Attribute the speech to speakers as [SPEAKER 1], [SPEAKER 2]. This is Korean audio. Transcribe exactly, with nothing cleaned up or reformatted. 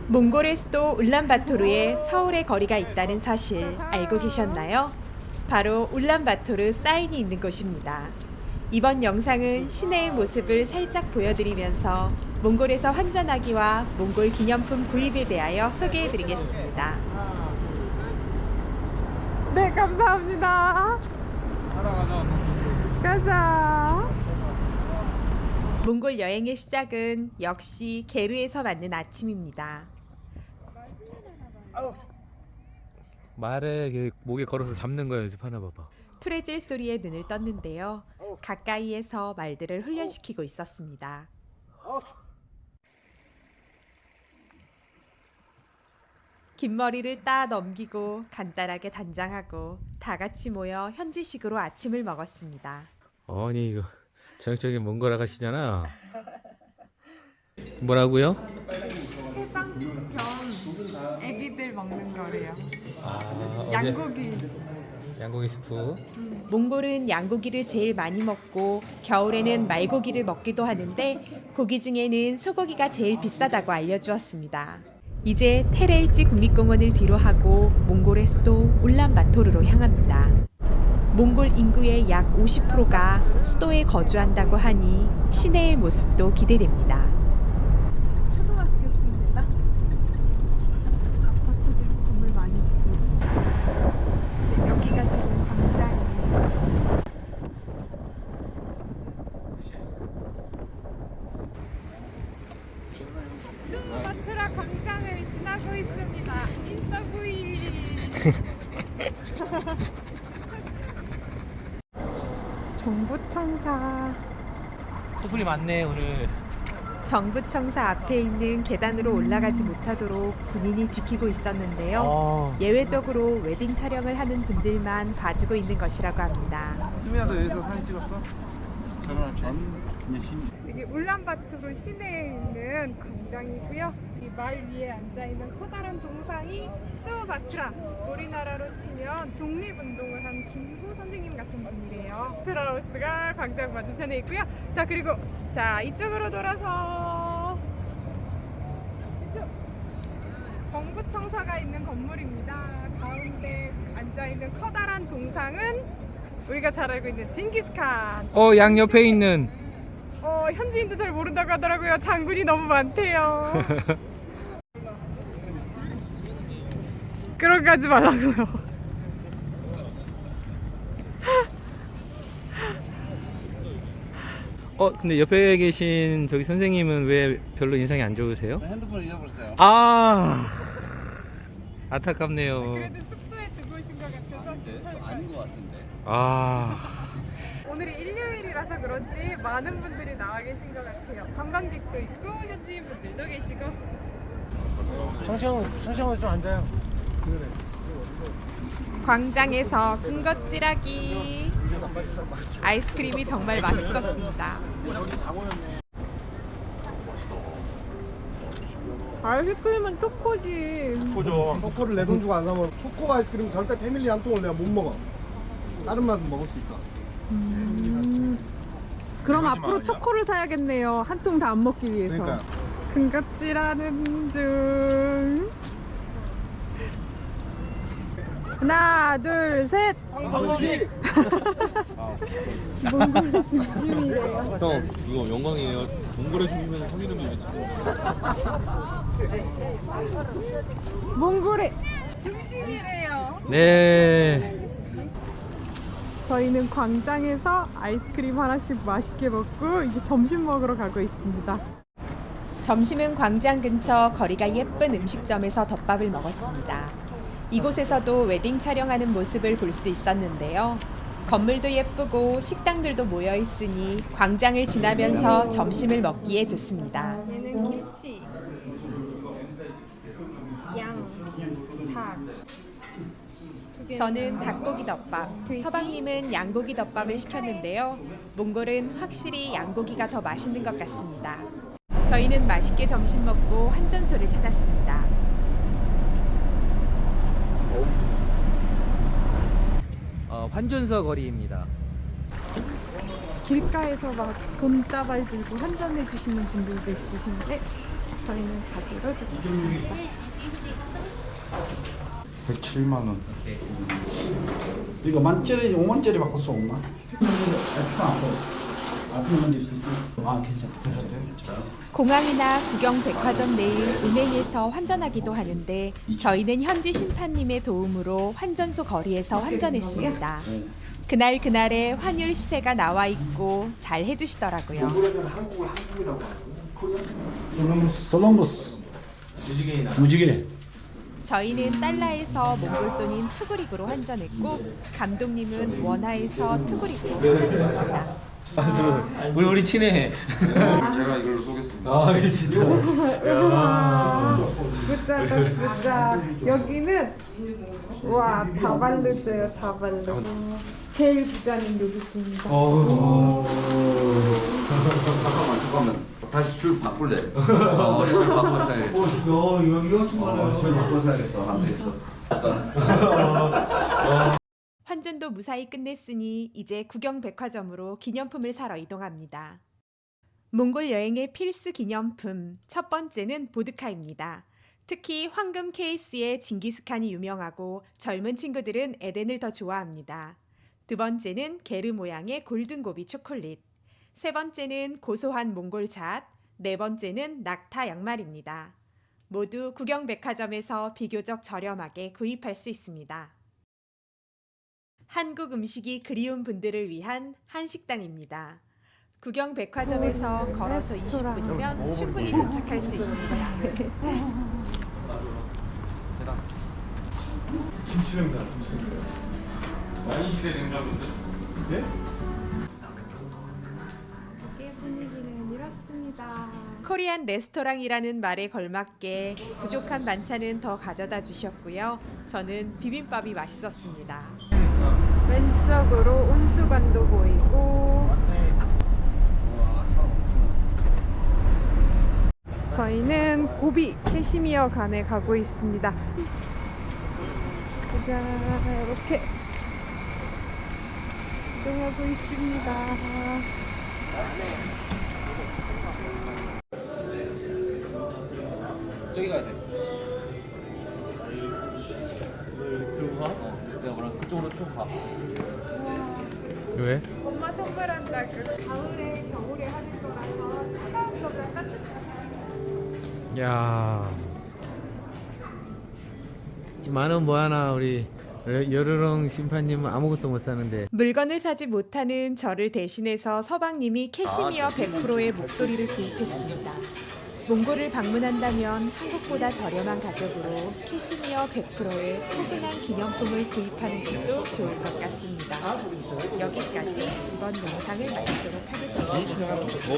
[SPEAKER 1] 몽골의 수도 울란바토르에 서울의 거리가 있다는 사실 알고 계셨나요? 바로 울란바토르 사인이 있는 곳입니다. 이번 영상은 시내의 모습을 살짝 보여드리면서 몽골에서 환전하기와 몽골 기념품 구입에 대하여 소개해드리겠습니다.
[SPEAKER 2] 네, 감사합니다. 가자.
[SPEAKER 1] 몽골 여행의 시작은 역시 게르에서 맞는 아침입니다.
[SPEAKER 3] 말을 목에 걸어서 잡는 거 연습하나 봐봐.
[SPEAKER 1] 투레질 소리에 눈을 떴는데요. 가까이에서 말들을 훈련시키고 있었습니다. 긴 머리를 따 넘기고 간단하게 단장하고 다 같이 모여 현지식으로 아침을 먹었습니다.
[SPEAKER 3] 아니 이거 저녁적인 몽골 아가씨잖아. 뭐라고요?
[SPEAKER 2] 해장 겸 애기들 먹는 거래요.
[SPEAKER 3] 아,
[SPEAKER 2] 양고기.
[SPEAKER 3] 양고기 스프.
[SPEAKER 1] 몽골은 양고기를 제일 많이 먹고 겨울에는 말고기를 먹기도 하는데 고기 중에는 소고기가 제일 비싸다고 알려주었습니다. 이제 테레일지 국립공원을 뒤로하고 몽골의 수도 울란바토르로 향합니다. 몽골 인구의 약 오십 퍼센트가 수도에 거주한다고 하니 시내의 모습도 기대됩니다.
[SPEAKER 2] 초등학교쯤이다. 아파트들 건물 많이 짓고 있고. 여기가 지금 광장이에요. 수마트라 광장을 지나고 있습니다. 인스타 브이. 정부청사.
[SPEAKER 3] 소분이 많네 오늘.
[SPEAKER 1] 정부청사 앞에 있는 계단으로 올라가지 못하도록 군인이 지키고 있었는데요.
[SPEAKER 3] 어.
[SPEAKER 1] 예외적으로 웨딩 촬영을 하는 분들만 봐주고 있는 것이라고 합니다.
[SPEAKER 4] 수민아도 여기서 사진 찍었어? 결혼할 전 그냥 신이.
[SPEAKER 2] 이게 울란바토르 시내에 있는 광장이고요. 이 말 위에 앉아 있는 커다란 동상이 수바트라. 우리나라로 치면 독립운동을 한 김구 선생님 같은 분이래요. 오페라하우스가 광장 맞은편에 있고요. 자, 그리고 자 이쪽으로 돌아서 이쪽 정부청사가 있는 건물입니다. 가운데 앉아 있는 커다란 동상은 우리가 잘 알고 있는 징기스칸.
[SPEAKER 3] 어, 양 옆에 있는.
[SPEAKER 2] 어, 현지인도 잘 모른다고 하더라고요. 장군이 너무 많대요. 그런 거 하지 말라고요.
[SPEAKER 3] 어, 근데 옆에 계신 저기 선생님은 왜 별로 인상이 안 좋으세요?
[SPEAKER 4] 핸드폰 잃어버렸어요.
[SPEAKER 3] 아, 안타깝네요.
[SPEAKER 2] 그래도 숙소에 두고 오신 것 같아서 괜찮을까요?
[SPEAKER 4] 아닌 것 같은데.
[SPEAKER 3] 아,
[SPEAKER 2] 오늘이 일요일이라서 그런지 많은 분들이 나와 계신 것 같아요. 관광객도 있고 현지인 분들도 계시고.
[SPEAKER 5] 청청 청청으로 좀 앉아요.
[SPEAKER 1] 광장에서 군것질하기. 아이스크림이 정말 맛있었습니다.
[SPEAKER 2] 아이스크림은 초코지.
[SPEAKER 5] 초코죠. 초코를 내 돈 주고 안 사면 초코 아이스크림 절대 패밀리 한 통을 내가 못 먹어. 다른 맛은 먹을 수 있어.
[SPEAKER 2] 그럼 앞으로 초코를 사야겠네요. 한 통 다 안 먹기 위해서.
[SPEAKER 5] 그러니까
[SPEAKER 2] 군것질하는 중. 하나, 둘, 셋. 몽골의 중심이래요.
[SPEAKER 6] 형 이거 영광이에요. 몽골에 주시면 형 이름이 외치고.
[SPEAKER 2] 몽골의 중심이래요.
[SPEAKER 3] 네.
[SPEAKER 2] 저희는 광장에서 아이스크림 하나씩 맛있게 먹고 이제 점심 먹으러 가고 있습니다.
[SPEAKER 1] 점심은 광장 근처 거리가 예쁜 음식점에서 덮밥을 먹었습니다. 이곳에서도 웨딩 촬영하는 모습을 볼 수 있었는데요. 건물도 예쁘고 식당들도 모여 있으니 광장을 지나면서 점심을 먹기에 좋습니다.
[SPEAKER 2] 얘는 김치, 양, 닭.
[SPEAKER 1] 저는 닭고기 덮밥, 서방님은 양고기 덮밥을 시켰는데요. 몽골은 확실히 양고기가 더 맛있는 것 같습니다. 저희는 맛있게 점심 먹고 환전소를 찾았습니다.
[SPEAKER 3] 어, 환전서 거리입니다.
[SPEAKER 2] 길가에서 막 돈다발 들고 환전해 주시는 분들도 있으신데 저희는 가지로 드리겠습니다.
[SPEAKER 4] 백칠만 원. 이거 만짜리 오만짜리 바꿀 수 없나? 엑스트라 안 돼. 앞에 문제 있을 때. 아 괜찮아. 괜찮대.
[SPEAKER 1] 공항이나 구경 백화점 내일 은행에서 환전하기도 하는데 저희는 현지 심판님의 도움으로 환전소 거리에서 환전했습니다. 그날 그날의 환율 시세가 나와 있고 잘 해주시더라고요.
[SPEAKER 4] 콜럼버스. 콜럼버스. 무지개.
[SPEAKER 1] 저희는 달러에서 몽골 돈인 투그릭으로 환전했고 감독님은 원화에서 투그릭으로 환전했습니다.
[SPEAKER 3] 우리 우리 친해.
[SPEAKER 6] 제가 이걸로 쏘겠습니다.
[SPEAKER 3] 아, 진짜.
[SPEAKER 2] 굿자 굿자. 여기는 와 다발루죠요 다발루. 제일 부자는 여기 있습니다.
[SPEAKER 6] 잠깐만 잠깐만. 다시 줄 바꿀래. 어, 줄 바꿔서야겠어.
[SPEAKER 4] 어, 이거 이거 쓰면
[SPEAKER 6] 줄 바꿔서야겠어. 안 되겠어.
[SPEAKER 1] 환전도 무사히 끝냈으니 이제 구경 백화점으로 기념품을 사러 이동합니다. 몽골 여행의 필수 기념품 첫 번째는 보드카입니다. 특히 황금 케이스의 징기스칸이 유명하고 젊은 친구들은 에덴을 더 좋아합니다. 두 번째는 게르 모양의 골든고비 초콜릿. 세 번째는 고소한 몽골잣. 네 번째는 낙타 양말입니다. 모두 구경 백화점에서 비교적 저렴하게 구입할 수 있습니다. 한국 음식이 그리운 분들을 위한 한식당입니다. 구경 백화점에서 걸어서 이십 분이면 충분히 도착할 수 있습니다.
[SPEAKER 5] 김치냉다. 김치냉다.
[SPEAKER 6] 만시대 냉장고인데?
[SPEAKER 5] 네?
[SPEAKER 2] 가게 분위기는 이렇습니다.
[SPEAKER 1] 코리안 레스토랑이라는 말에 걸맞게 부족한 반찬은 더 가져다 주셨고요. 저는 비빔밥이 맛있었습니다.
[SPEAKER 2] 왼쪽으로 온수관도 보이고 저희는 고비 캐시미어 간에 가고 있습니다. 자, 이렇게 이동하고 있습니다.
[SPEAKER 6] 저기 가야 돼. 들고 가? 어. 내가 뭐라 그쪽으로 쭉 가.
[SPEAKER 3] 왜?
[SPEAKER 2] 엄마 선물한다. 그 가을에 겨울에 하는 거라서 차가운 거보다 따뜻한
[SPEAKER 3] 야. 만원 뭐 하나 우리 여르렁 심판님은 아무것도 못 사는데.
[SPEAKER 1] 물건을 사지 못하는 저를 대신해서 서방님이 캐시미어 백 퍼센트의 목도리를 구입했습니다. 몽골을 방문한다면 한국보다 저렴한 가격으로 캐시미어 백 퍼센트의 포근한 기념품을 구입하는 것도 좋을 것 같습니다. 여기까지 이번 영상을 마치도록 하겠습니다.